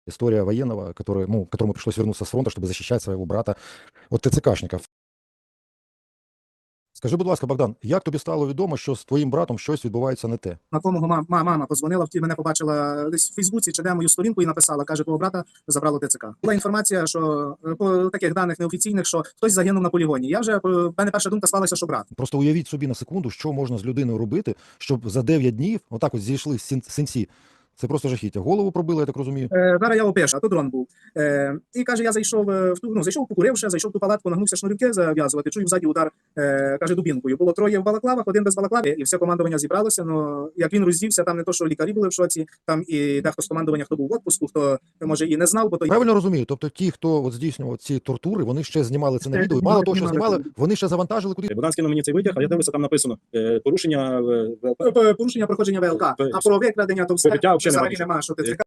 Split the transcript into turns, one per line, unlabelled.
История военного, который, ну, которому пришлось вернуться с фронта, чтобы защищать своего брата от ТЦКшників. Скажи, будь ласка, Богдан, як тобі стало відомо, що з твоїм братом щось відбувається не те?
На тому мама подзвонила, мене побачила десь в Фейсбуці чи де мою сторінку і написала, каже, твого брата забрало ТЦК. Була інформація, що по таких даних неофіційних, що хтось загинув на полігоні. В мене перша думка склалася, що брат.
Просто уявіть собі на секунду, що можна з людиною робити, щоб за 9 днів отак от зійшли синці. Це просто жахіття. Голову пробили, я так розумію.
Зараз я опишу, а то дрон був. І каже, я зайшов зайшов покуривши, зайшов в ту палатку, нагнувся шнурівки зав'язувати, чую ззаді удар, каже, дубінкою. Було троє в балаклавах, один без балаклави, і все командування зібралося. Ну, як він роздівся, там не то, що лікарі були в шоці, там і дехто з командування, хто був в отпуску, хто, може, і не знав, бо то...
Правильно розумію? Тобто ті, хто от здійснював ці тортури, вони ще знімали це на відео, і мало того, що знімали, вони ще завантажили куди.
Богдан скинув мені цей витяг, а я дивлюся, там написано порушення
Порушення проходження ВЛК, а про викрадення то все
Побиття взагалі
взагалі немає, що ТЦК